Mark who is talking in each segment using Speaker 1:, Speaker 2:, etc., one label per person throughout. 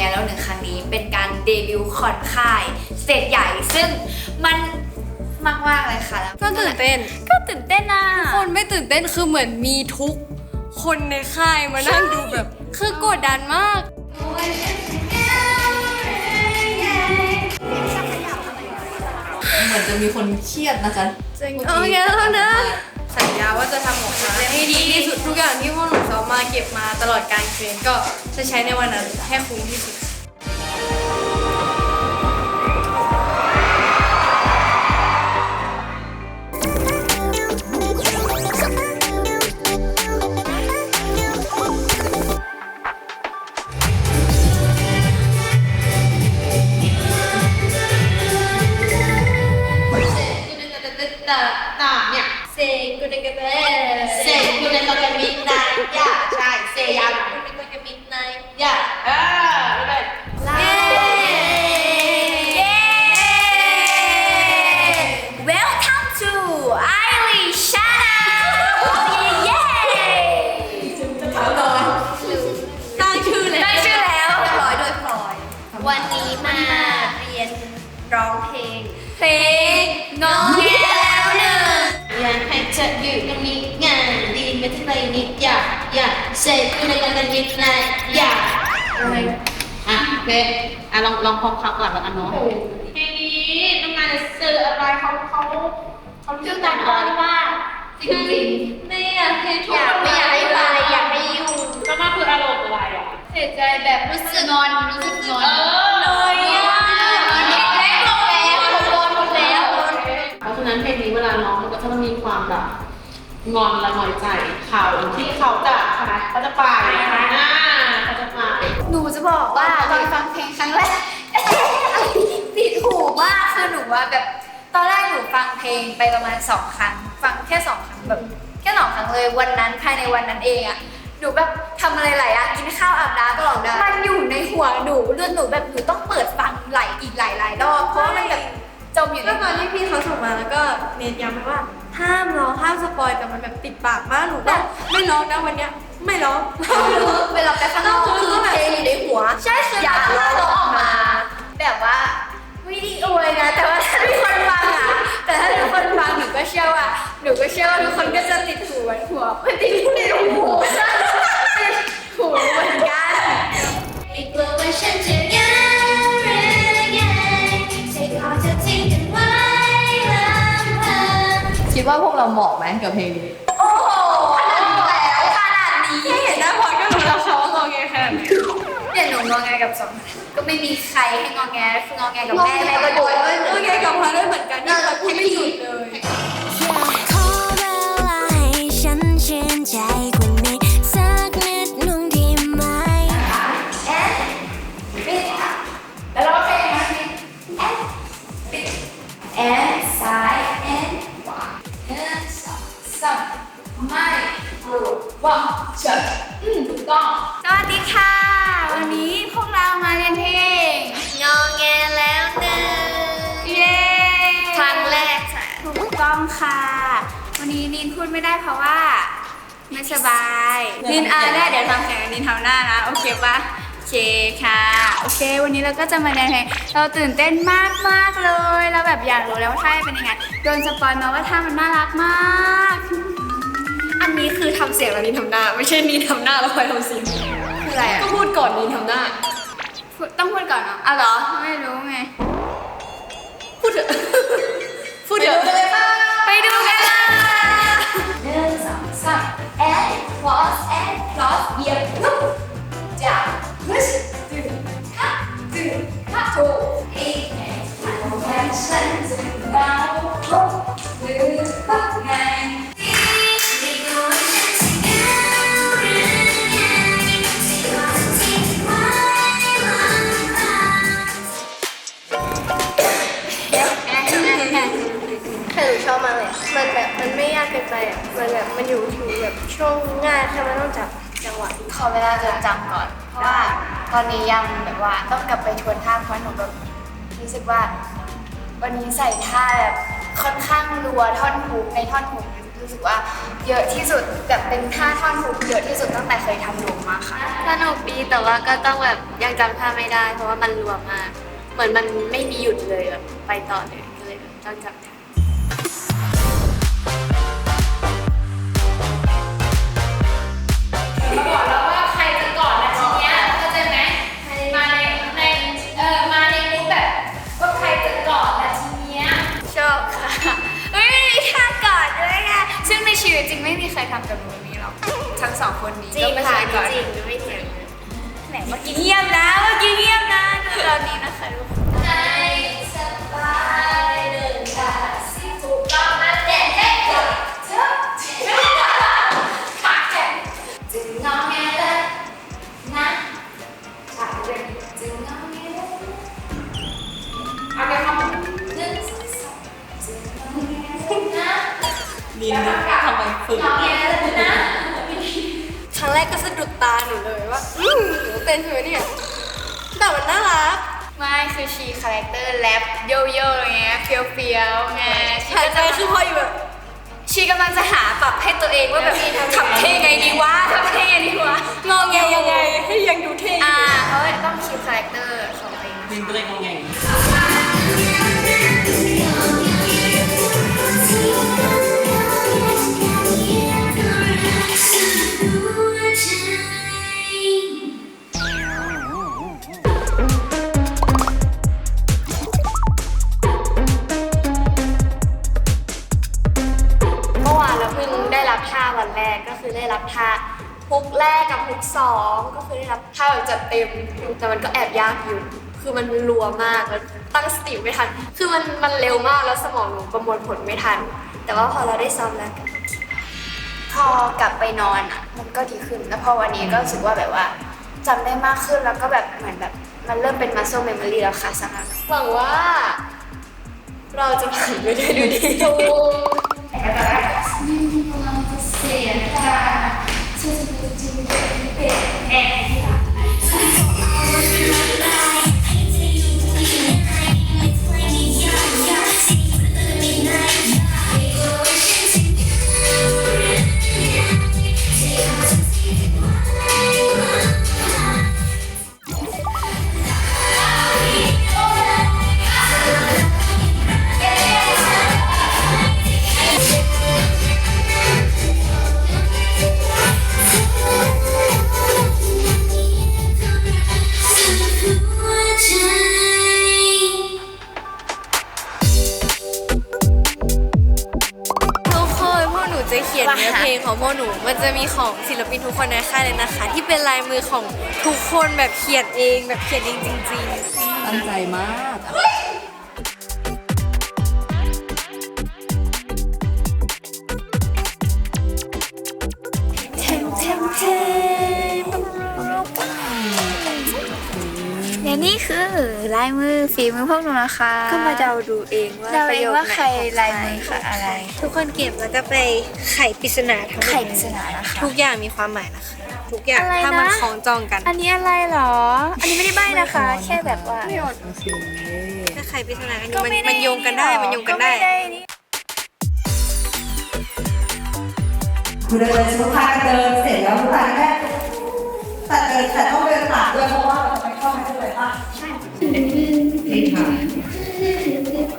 Speaker 1: แล้วหนึ่งครั้งนี้เป็นการเดบิวต์คอนค่ายสเตจใหญ่ซึ่งมันมากเลยค่ะแล้ว
Speaker 2: ก็ตื่นเต้น
Speaker 1: ก็ตื่นเต้นนะ
Speaker 2: คนไม่ตื่นเต้นคือเหมือนมีทุกคนในค่ายมานั่งดูแบบคือกดดันมาก
Speaker 3: เหมือนจะมีคนเครียดนะคะ
Speaker 2: โอเคแล้วนะสัญญาว่าจะทำออกมาให้ดีที่สุดทุกอย่างที่พวกหนูซ้อมมาเก็บมาตลอดการเทรนก็จะใช้ในวันนั้นให้คุ้มที่สุด
Speaker 1: Welcome to Irish Channel เย้
Speaker 2: ตั้งชื่อเลย
Speaker 1: ได้ชื่อแล้วเรียบร้อยโดยพลอยวันนี้มาเรียนร้องเพลงงอแงแล้วหนึ่ง
Speaker 4: อยากให้เธออยู่ตรงนี้งานดีไม่ที่ไรนิดอยากเสกอยู่ในกันนิดนายอยากอะไรอ่ะโอเคอ่ะลองพร้อมคำก่อนแล้วกันเนาะเพลงนี้ต้องการจะสื่ออะไรเขาชื่อการอ้อนว่าจริงๆไม่อยากให้ทุกคนไม่อยากให้ไปอยากให้อยู่ก็มาคืออารมณ์อะไรอ่ะเสียใจแบบรู้สึกงอนเลยอ่ะเล็กลงแล้วหมดแล้วเพราะฉะนั้นเพลงนี้เวลาร้องมันก็จะต้องมีความแบบงอนและน้อยใจเขาที่เขาจะเขาจะไปเขาจะไป
Speaker 1: หนูจะบอกว่าตอนฟังเพลงครั้งแรก ติดหูมากคือหนูว่าแบบตอนแรกหนูฟังเพลงไปประมาณ2 ครั้งฟังแค่2 ครั้งแบบแค่2 ครั้งเลยวันนั้นภายในวันนั้นเองอะหนูแบบทำอะไรหลายอย่างกินข้าวอาบน้ำตลอดเลยมันอยู่ในหัวหนูเรื่องหนูแบบหนูต้องเปิดฟังอีกหลายรอบเพราะว่ามันแบบจมอยู่ใน
Speaker 2: ก็ตอนที่พี่เขาส่งมาแล้วก็เน้นย้ำไปว่าห้ามร้องห้ามสปอยแต่มันแบบติดปากมากหนูก็ไม่ร้องนะวันเนี้ยไม่ร้อง
Speaker 1: เวลาไปข้างนอกคือเพลงอยู่ในหัวใช่คืออยากร้องออกมา แบบว่าไม่ได้อวยนะแต่ว่าถ้าทุกคนฟังอะแต่ถ้าทุกคนฟังหนูก็เชื่อว่าทุกคนก็จะติดหูไม่ติดหูในหู หูเหมือนกัน
Speaker 4: ไม่กลัวว่าฉันจะยังหรือยังใจขอจะทิ้งกันไว้ลำพัง
Speaker 3: คิดว่าพวกเราเหมาะไหมกับเพลงนี้
Speaker 1: โอ้โหขนาดนี้แล้วขนาดนี้
Speaker 2: แค่เห็นหน้าพอก็รู้แล้วเขาว่างอแงขนาดไหน
Speaker 1: เนี่ยหนูงอแงกับสองก็ไม่มีใครให้งอแงคืองอแงกับแม่ก็โดน
Speaker 2: โอเคกับพาด้วยเหมือนกันที่เขาพูดไม่หยุดเลย
Speaker 5: ขอเวลาให้ฉันชื่นใจกว่านี้สักนิดหนึ่งดีไหม
Speaker 1: แอนปิดแล้วเราเพลงนะแอนปิดแอนซ้ายแอนขวาแอนสองไม่รู้ว่าจะถูกต้องสวัสดีค่ะ วันนี้พวกเรามาเรียนเพลงงอแงแล้วหนึ่งเย้ครั้งแรกค่ะถูกต้องค่ะ วันนี้นินพูดไม่ได้เพราะว่าไม่สบายนินได้เดี๋ยวทำแข่งนินทำหน้านะโอเคปะโอเคค่ะโอเค วันนี้เราก็จะมาเรียนเพลงเราตื่นเต้นมากเลยเราแบบอยากรู้แล้วว่าท่าเป็นยังไงโดนสปอยมาว่าท่ามันน่ารักมาก
Speaker 2: อันนี้คือทำเสียงแล้วนีทำหน้าไม่ใช่นีทำหน้าแล้วคอยทำเสียง
Speaker 1: คืออะไรอ่ะ
Speaker 2: ก็พูดก่อนนีทำหน้า
Speaker 1: ต้องพูดก่อนเนาะเหรอไม่รู้ไง
Speaker 2: พูดเถอะ พูดเถอะ
Speaker 1: ไปดูกันเลยหนึ่งสองสามแอนคลอสแอนคลอสเหยียบลุกจับพุชดึงฮับดึงฮับถูกอีกแอนทำแค่ฉันจะเบาลุกดึงพักไง
Speaker 4: ไม่กลัวว่าฉันจะยังหรือยังใจขอจะทิ้งกันไว้ลำพัง
Speaker 2: แต่หนูชอบมากเลยมันแบบมันไม่ยากเกินไปอ่ะมันแบบมันอยู่ถึงแบบช่วงง่ายแค่ไม่ต้องจับจังหวะ
Speaker 1: ขอเวลาจดจำก่อน เพราะว่าตอนนี้ยังแบบว่าต้องกลับไปทวนท่าเพราะหนูแบบรู้สึกว่า วันนี้ใส่ท่าแบบค่อนข้างรัวท่อนฮุกในท่อนฮุกรู้สึกว่าเยอะที่สุดแบบเป็นท่าท่อนฮุกเยอะที่สุดตั้งแต่เคยทำหนูมาค่ะ
Speaker 2: สนุกดีแต่ว่าก็ต้องแบบยังจำท่าไม่ได้ เพราะว่ามันรัวมาก เหมือนมันไม่มีหยุดเลยแบบไปต่อเลยก็เลยแบบต้องจำท่า
Speaker 1: มาบอกแล้วว่าใครจะก่อนนะทีเนี้ยเข้าใจไหมมาในมูดแบบว่าใครจะก่อนนะทีเนี้ย
Speaker 2: ชอบค่ะเฮ้ยมีท่ากอดด้วยค่ะซึ่งในชีวิตจริงไม่มีใครทำกับหนูแบบนี้หรอกทั้งสองคนนี้ก็ไม่เคยก่อนจริงไม่เถียงเลยไหนเมื่อกี้เงียบนะดูตอนนี้นะคะทุกคน
Speaker 1: ในสบายเดินทางสิถูกต้องนะเด็ดเด็ดเด็ดเจ้าขาแข็งจึงงอแงเลยนะขาเรียนจึงงอแงเลยเอาไปคำหนึ่งสองสามจึงงอแงเลยนะ
Speaker 3: นี่ทำไมฝึก
Speaker 1: งอแงเลยนะ
Speaker 2: ครั้งแรกก็สะดุดตาหนูเลยว่าหนูเต้นใช่ไหมเนี่ยแต่มันน่ารักไม่คือชีคาแรคเตอร์แรปโยโย่อะไรเงี้ยเฟี้ยวๆไงชีก็จะคือพออยู่แบบชีกำลังจะหาปรับให้ตัวเองว่าแบบทำเท่ไงดีวะงอแงยังไงให้ยังดูเท่เพราะต้องคีปคาแรคเตอร์ของตัวเอง
Speaker 3: ดินก็เลยงงไง
Speaker 2: เมื่อวานเราเพิ่งได้รับท่าวันแรกก็คือได้รับท่าฮุกแรกกับฮุกสองก็คือได้รับท่าแบบจัดเต็มแต่มันก็แอบยากอยู่คือมันรัวมากแล้วตั้งสติไม่ทันคือมันเร็วมากแล้วสมองหนูประมวลผลไม่ทันแต่ว่าพอเราได้ซ้อมแล้วก็พอกลับไปนอนอ่ะมันก็ดีขึ้นแล้วพอวันนี้ก็รู้สึกว่าแบบว่าจำได้มากขึ้นแล้วก็แบบเหมือนแบบมันเริ่มเป็น muscle memory แล้วค่ะสำหรับหวังว่าเราจะผ่านไปได้ดูดี
Speaker 1: เสียใจฉันจะเป็นแอน
Speaker 2: จะเขียนเนื้อเพลงของพวกหนูมันจะมีของศิลปินทุกคนในค่ายเลยนะคะ ที่เป็นลายมือของทุกคนแบบเขียนเองแบบเขียนเองจริงๆ
Speaker 3: ตั้งใจมาก
Speaker 6: และนี่คือลายมือฝีมือพวกหนูนะคะ
Speaker 2: ก็มาเดาดูเองว่า
Speaker 6: เดา
Speaker 2: ประ
Speaker 6: เอ
Speaker 2: โย
Speaker 6: ง
Speaker 2: ค
Speaker 6: ว่า
Speaker 2: ไหน
Speaker 6: ใครลายมือคืออะไร
Speaker 2: ทุกคนเก็บแล้วก็ไปไขปริศนาทั้งหมด
Speaker 6: ไขปริศนานะคะ
Speaker 2: ทุกอย่างมีความหมายนะคะทุกอย่าง
Speaker 6: อะไรนะ
Speaker 2: ถ้ามันคล้องจองกัน
Speaker 6: อันนี้อะไรหรอ อันนี้ไม่ได้ใบ้นะคะ แค่แบบว่า
Speaker 2: ถ้าไขปริศนากันอยู่
Speaker 6: ก็ไม่ได้
Speaker 2: มันโยงกันได้มันโยงกันได้
Speaker 6: นี่
Speaker 7: คุณเดินสุดท้ายเดินเสร็จแล้วสุดท้ายแค่แต่ต้องเดินผ่านด้วยเพราะว่าเราจะไปเข้าไปด้วยป่ะใช่ค่ะ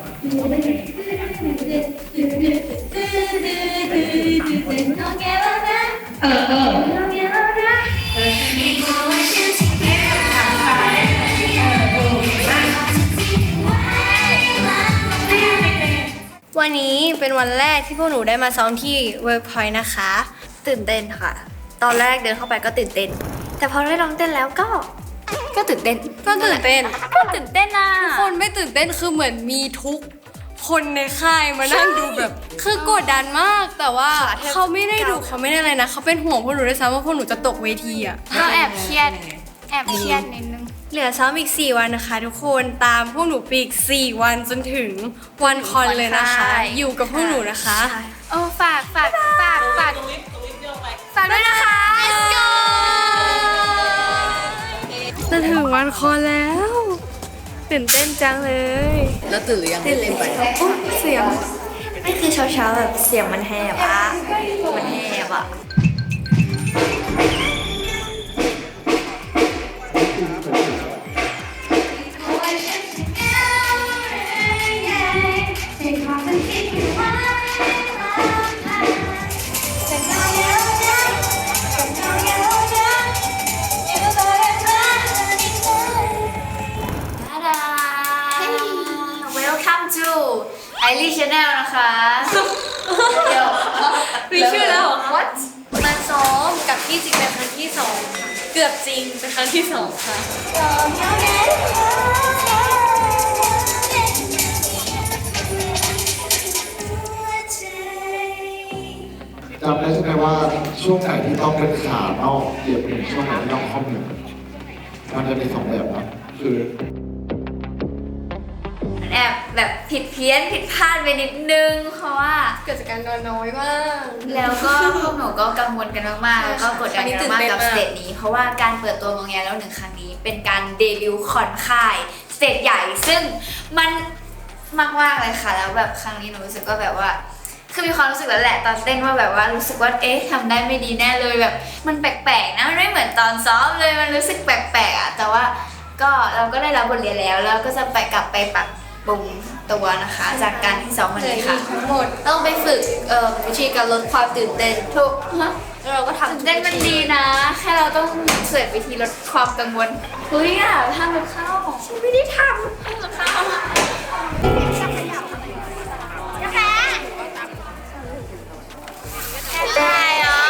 Speaker 2: วันนี้เป็นวันแรกที่พวกหนูได้มาซ้อมที่ Workpoint นะคะ ตื่นเต้นค่ะ ตอนแรกเดินเข้าไปก็ตื่นเต้น แต่พอได้ลองเต้นแล้วก็ตื่นเต้นก็ตื่นเต้น
Speaker 6: ก็ตื่นเต้นนะ
Speaker 2: คนไม่ตื่นเต้นคือเหมือนมีทุกคนในค่ายมานั่งดูแบบ คือกดดันมากแต่ว่าเขาไม่ได้ดูเขาไม่ได้อะไรนะเขาเป็นห่วงพวกหนูด้วยซ้ำว่าพวกหนูจะตกเวทีอ่ะ
Speaker 6: เราแอบเครียดนิดนึง
Speaker 2: เหลือซ้อมอีก 4 วันนะคะ ทุกคนตามพวกหนูไปอีก 4 วันจนถึงวันคอนเลยนะคะ อยู่กับพวกหนูนะคะ
Speaker 6: โอ้ฝากด้วยนะคะ
Speaker 2: Let's go จะถึงวันคอนแล้วตื่นเต้นจังเลย
Speaker 3: แล้วตื่นหรือยังไม่ตื่นไป
Speaker 2: เสียง
Speaker 6: ไม่คือเช้าๆแบบเสียงมันแหบอะมันแหบอะ
Speaker 1: นะคะเดี๋ยว
Speaker 2: มีชื่อแล้วเหรอคะ
Speaker 1: What
Speaker 2: มาซ้อมกับพี่จริงเป็นครั้งที่ 2ค่ะเกือบจริงเป็นครั้งที่ 2ค่ะ
Speaker 8: จำได้ใช่ไหมว่าช่วงไหนที่ต้องเป็นขานอกเหยียบหนึ่งช่วงไหนที่ต้องคอมหนึ่งมันจะมีสองแบบนะคือ
Speaker 1: แอบแบบผิดเพี้ยนผิดพลาดไปนิดนึงเพราะว่า
Speaker 2: เกิดจากการนอนน้อยมาก
Speaker 1: แล้วก็พวกหนูก็กังวลกันมากๆ แล้วก็กดดันกันมากกับสเตจนี้ เพราะว่าการเปิดตัวงงแงแล้วหนึ่งครั้งนี้ เป็นการเดบิวต์คอนค่ายสเตจใหญ่ ซึ่งมันมากๆเลยค่ะ แล้วแบบครั้งนี้หนูรู้สึกว่าแบบว่าคือมีความรู้สึกแล้วแหละตอนเต้นว่าแบบว่ารู้สึกว่าเอ๊ะทำได้ไม่ดีแน่เลยแบบมันแปลกๆนะมันไม่เหมือนตอนซ้อมเลยมันรู้สึกแปลกๆอ่ะแต่ว่าก็เราก็ได้รับบทเรียนแล้วก็จะไปกลับไปปรับปรุงตัวนะคะ จากการที่ซ้อมวันนี้ค่ะ
Speaker 2: ทั้งหมด
Speaker 1: ต้องไปฝึก
Speaker 2: วิธีการลดความตื่นเต้น
Speaker 1: ทุก
Speaker 2: แล้วเราก็ทำ
Speaker 1: เต้นมันดีนะ แค่เราต้องเสิร์ชวิธีลดความกังวลเฮ้ยอ่ะทำกับข้าวฉันไม่ได้ทำกับข้าวได้เหรอ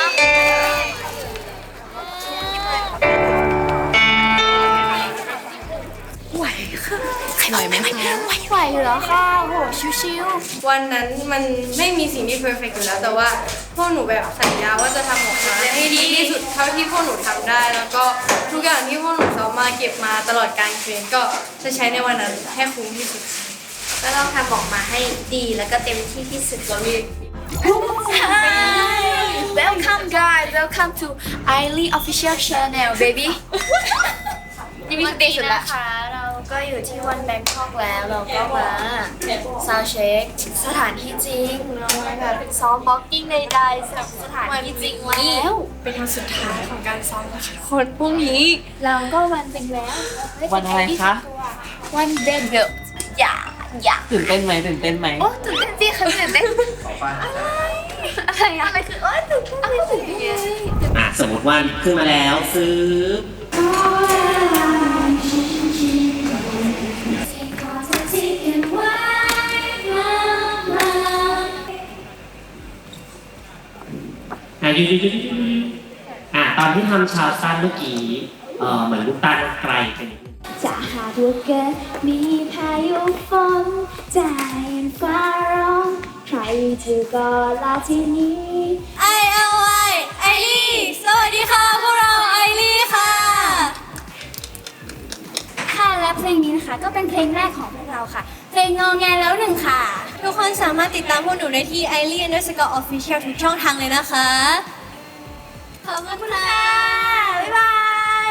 Speaker 3: ไหวไหมคะ
Speaker 1: ไหวอยู่แล้วค่ะโหชิว
Speaker 2: วันนั้นมันไม่มีสิ่งที่เพอร์เฟกต์อยู่แล้ว แต่ว่าพวกหนูแบบสัญญาว่าจะทำออกมาให้ดีที่สุดเท่าที่พวกหนูทำได้ แล้วก็ทุกอย่างที่พวกหนูซ้อมมาเก็บมาตลอดการเทรนก็จะใช้ในวันนั้นให้คุ้มที่สุด
Speaker 1: ก็ต้องทำออกมาให้ดีแล้วก็เต็มที่ที่สุดเรามี Welcome guys welcome to Ailey official channel baby นี่มีสเตจสุดละค่ะเราก็อยู่ที่วันแบงคอกแล้วเราก็มาซาวเช็คสถานที่จริงเรามาแบบซ้อมบ็อกกิ้งใดๆสถานที่จริงแล้ว
Speaker 2: เป็นวันสุดท้ายของการซ้อมนะคะคนพรุ่งนี้
Speaker 1: เราก็วันเป็นแล้ว
Speaker 3: วันอะไรคะ
Speaker 1: วันเดบิวต์อย่า
Speaker 3: ตื่นเต้นไหมตื่นเต้นไหม
Speaker 1: โอ้ตื่นเต้นสิค่ะตื่นเต้นอะไรคือโอ้ตื่นเต้นอะไรตื่นเต้น
Speaker 9: สมมติว่าขึ้นมาแล้วซื้อตอนที่ทำชาวสั้นเมื่อกี้เหมือนลูกตาลไกลไปนิดนึง
Speaker 5: จะหากว่าเกิดมีพายุฝนใจฟ้าร้องใครเธอก็ลาที่นี้
Speaker 2: ไอลี่สวัสดีค่ะพวกเราไอลี่ค่ะ
Speaker 5: ค่ะและเพลงนี้นะคะก็เป็นเพลงแรกของพวกเราค่ะ เพลงงอแงแล้วหนึ่งค่ะ
Speaker 2: ทุกคนสามารถติดตามพวกหนูได้ที่ @Ailey_official ทุกช่องทางเลยนะคะ ขอบคุณค่ะ บ๊ายบาย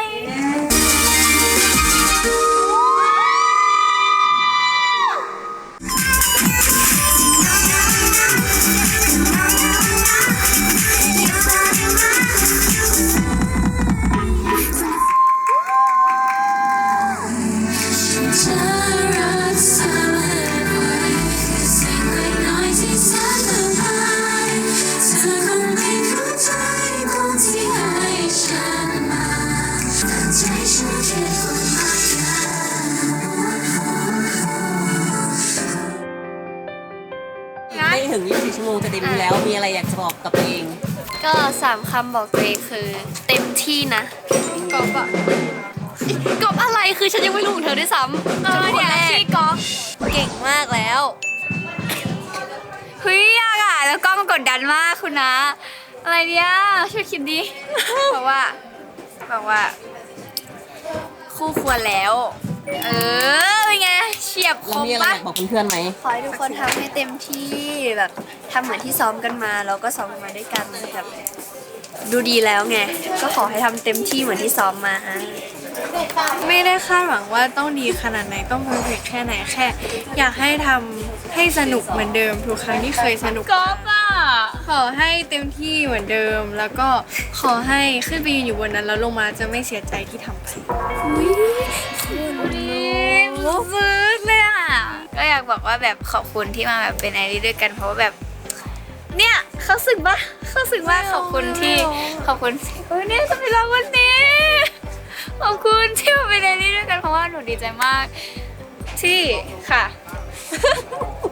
Speaker 3: ไม่ถึง24ชั่วโมงจะเดบิวต์แล้วมีอะไรอยากจะบอกกับตัวเอง
Speaker 2: ก็3 คำบอกตัวเองคือเต็มที่นะกอบอะกอบอะไรคือฉันยังไม่รู้ของเธอด้วยซ้ำฉันเป็นคนแรกกอบเก่งมากแล้ว
Speaker 1: เฮ้ยยากอ่ะแล้วกล้องกดดันมากคุณนะอะไรเนี่ยช่วยคิดดิ บอกว่าคู่ควรแล้วเป็นไงเฉียบค
Speaker 3: แล้ว
Speaker 1: ม
Speaker 3: มีอะไร
Speaker 1: ปะ
Speaker 3: อยากบอกเพื่อนๆไหม
Speaker 2: ขอให้ทุกคนทำให้เต็มที่แบบทำเหมือนที่ซ้อมกันมาเราก็ซ้อมกันมาด้วยกันแบบดูดีแล้วไงก็ขอให้ทำเต็มที่เหมือนที่ซ้อมมา
Speaker 10: ไม่ได้คาดหวังว่าต้องดีขนาดไหนต้องเพอร์เฟกแค่ไหนแค่ อยากให้ทำให้สนุกเหมือนเดิมทุกครั้งที่เคยสนุก
Speaker 1: ก๊อฟอ่ะ
Speaker 10: ขอให้เต็มที่เหมือนเดิม แล้วก็ขอให้ขึ้นไปยืนอยู่บนนั้นแล้วลงมาจะไม่เสียใจที่ทำไป
Speaker 1: ซึ้งเลยอ่ะก็อยากบอกว่าแบบขอบคุณที่มาแบบเป็นไอรีด้วยกันเพราะว่าแบบเนี่ยเขาสึกปะเขาสึกว่าขอบคุณที่เนี่ยจะไปร้องวันนี้ขอบคุณที่มาเป็นไอรีด้วยกันเพราะว่าหนูดีใจมากที่ค่ะ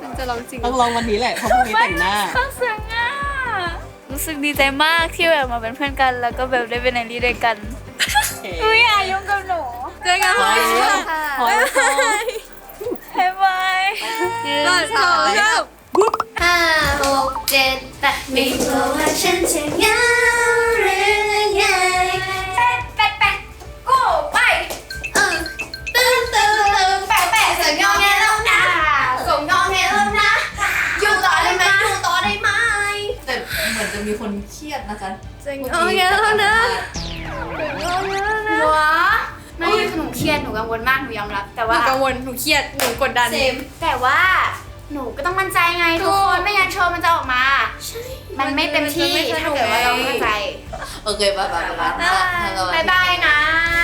Speaker 10: ฉันจะร้องจริง
Speaker 4: ต้องลองวันนี้แหละเพราะพรุ่งนี้แต่งหน้า
Speaker 6: ข้างเสียงอ่ะรู้สึกดีใจมากที่แบบมาเป็นเพื่อนกัน แล้วก็แบบได้เป็นไอรีด้วยกันอุ้ยอย่ายุ่งกับหนู
Speaker 10: เจอกันค่ะ
Speaker 6: บ๊ายบายบ๊ายบาย
Speaker 10: ก่อนสองเริ่ม
Speaker 2: 5 6 7 8ไม่รู้ว่าฉันจะเหงาหรือไง
Speaker 1: แปะแปะกูไป
Speaker 2: ตื่นแปะส่งงอแงแล้วนะส่งงอแงแล้วนะอยู่ต่อได้ไหมอยู่ต่อได้ไหม
Speaker 3: แต่เหมือนจะมีคนเครียดนะคะ
Speaker 10: จะงอแงแล้วนะ
Speaker 2: หัวไม่หนูเครียดหนูกังวลมากหนูยอมรับแต่
Speaker 10: หนู
Speaker 2: ว่า
Speaker 10: กังวลหนูเครียดหนูกดดัน
Speaker 2: แต่ว่าหนูก็ต้องมั่นใจไงทุกคนไม่งั้นโชว์มันจะออกมามันไม่เต็มที่ถ้าเกิดว่าเราไม่มั่นใจ
Speaker 3: โอเคบ๊ายบาย
Speaker 2: บ๊ายบายนะ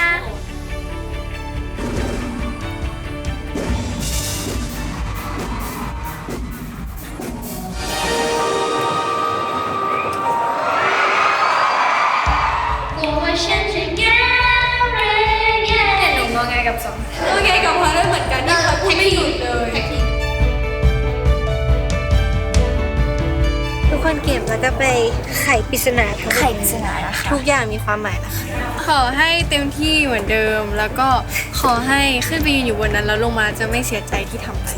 Speaker 6: หนูงอแงกับสอง
Speaker 10: โอเคกับพอได้เหมือนกันที่เขาพูดไม่หยุดเลย
Speaker 5: ทุกคนเก็บแล้วก็ไปไขปริศนาทั้งหมด
Speaker 6: ไข่ปริศนานะคะ
Speaker 5: ทุกอย่างมีความหมายนะคะ
Speaker 10: ขอให้เต็มที่เหมือนเดิม แล้วก็ขอให้ขึ้นไปยืนอยู่บนนั้นแล้วลงมาจะไม่เสียใจที่ทำไป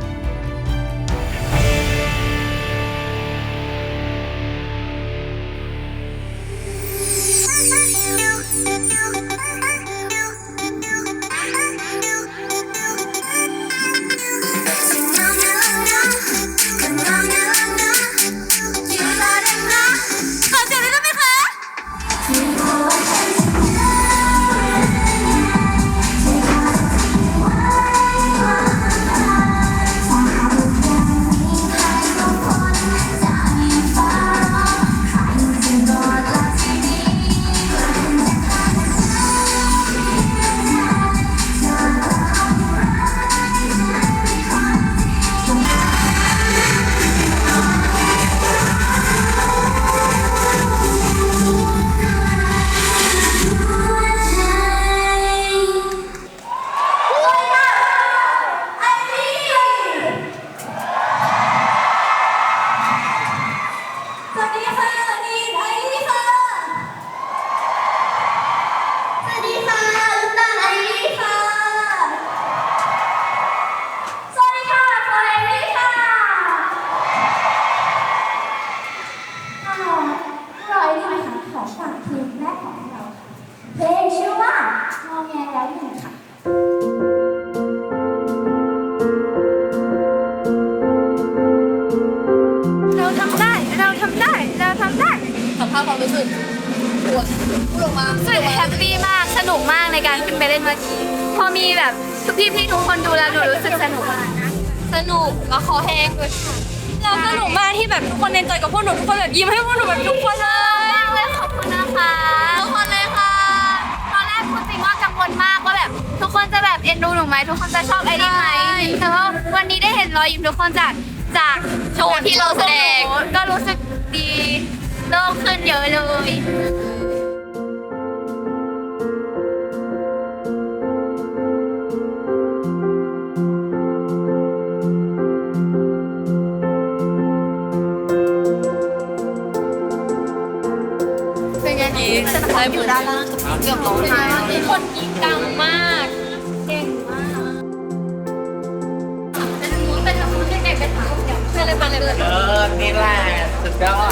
Speaker 5: เพลงชื่อว่างอแงแล้วหนึ่งค่ะ
Speaker 6: เราทำได้เราทำได้เราทำได้
Speaker 3: สัมภาษณ์ความรู้สึกพูดออกมา
Speaker 6: รู้สึกแฮปปี้มากสนุกมากในการขึ้นไปเล่นเมื่อกี้พอมีแบบพี่ๆทุกคนดูแล้วหนูรู้สึกสนุกมากสนุกแล้วคอแห้งด้วยค่ะเราสนุกมากที่แบบทุกคนเอนจอยกับพวกหนูทุกคนแบบยิ้มให้พวกหนูแบบทุกคนเลยขอบคุณนะคะทุกคนเลยค่ะตอนแรกพูดจริงว่ากังวลมากว่าแบบทุกคนจะแบบเอ็นดูหนูไหมทุกคนจะชอบไอรีไหมแต่ว่าวันนี้ได้เห็นรอยยิ้มทุกคนจากโชว์ที่เราแสดงก็รู้สึกดีโล่งขึ้นเยอะเลย
Speaker 10: เป็นไงลายมือด้านล่างเกือบร้องไห้มีคนกรี๊ดดังมากเก่งมากเป็นทำมูนได้ไงเป็นทำเป็นอะไรเป็นอะไร
Speaker 9: นี่แหละสุดยอด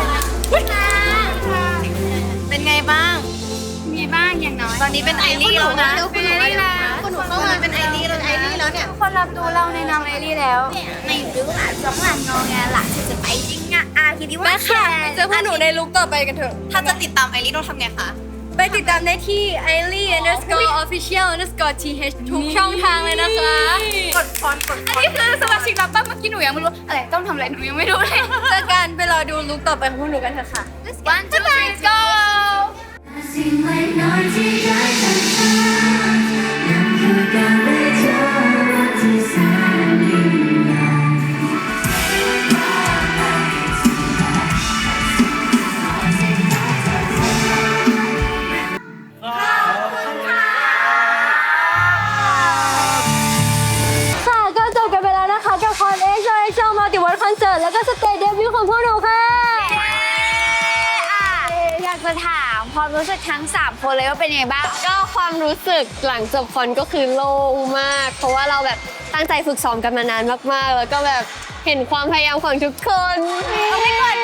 Speaker 10: เป็นไงบ้าง
Speaker 6: มีบ้างอย่างน้อย
Speaker 10: ตอนนี้เป็นไอรีแล้วนะ
Speaker 6: เป็นไอรีแล้ว
Speaker 10: คุณหนูเข้ามาเป็นไอรีแล้วเนี่ย
Speaker 6: ทุกคนรับรู้เราในนามไอรีแล้วไม่รู้อ่ะสองหลังงอแงหลังจะไปจริงอ่ะคิดว่า
Speaker 10: แม่ค่ะเจอพวกหนูในลุคต่อไปกันเถอะ
Speaker 4: ถ้าจะติดตามไอรีต้องทำไงคะ
Speaker 10: ไปติดตามได้ที่ @official_th ทุกช่องทางเลยนะคะ
Speaker 6: กดฟอนต์อันนี้คือสมาชิกรับบ้างเมื่อกี้หนูยังไม่รู้อะไรต้องทำอะไรหนูยังไม่รู้เลย
Speaker 10: เจอกันไปรอดูลุคต่อไปของพวกหนูกันเถอะค่ะ
Speaker 6: One two three go
Speaker 5: สิ่งเล็กน้อยที่ได้จากเธอนั่นคือการได้เจอรักที่แสนยิ่งใหญ่ค่ะก็จบกันไปแล้วนะคะกับคอนเอ็กซ์โชว์มา
Speaker 6: รู้สึกทั้ง3คนเลยว่าเป็นยังไงบ้าง
Speaker 2: ก็ความรู้สึกหลังจบคอนก็คือโล่งมาก เพราะว่าเราแบบตั้งใจฝึกซ้อมกันมานานมากๆ แล้วก็แบบเห็นความพยายามของทุกคนเอาไม่ก่อน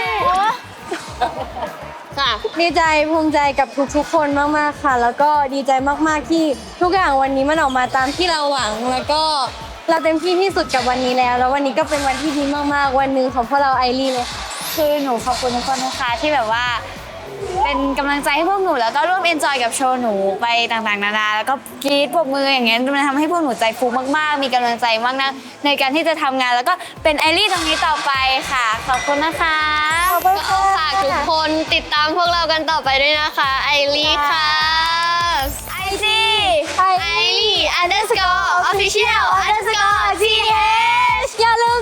Speaker 2: ค่ะ
Speaker 10: ดีใจภูมิใจกับทุกๆคนมากๆค่ะ แล้วก็ดีใจมากๆที่ทุกอย่างวันนี้มันออกมาตามที่เราหวัง แล้วก็เราเต็มที่ที่สุดกับวันนี้แล้ว แล้ววันนี้ก็เป็นวันที่ดีมากๆวันหนึ่งของพวกเราไอรีเลยค่ะ
Speaker 6: คือหนูขอบคุณทุกคนนะคะที่แบบว่า เป็นกำลังใจให้พวกหนูแล้วก็ร่วมเอนจอยกับโชว์หนูไปต่างๆนานาแล้วก็กรี๊ดปรบมืออย่างเงี้ยมันทำให้พวกหนูใจฟูมากๆมีกำลังใจมากนะในการที่จะทำงานแล้วก็เป็นไอรีตรงนี้ต่อไปค่ะขอบคุณนะคะ
Speaker 2: ก็ฝากทุกคนติดตามพวกเรากันต่อไปด้วยนะคะไอรีค่ะ
Speaker 6: IG
Speaker 2: iReE_official_th
Speaker 6: อย่าลืม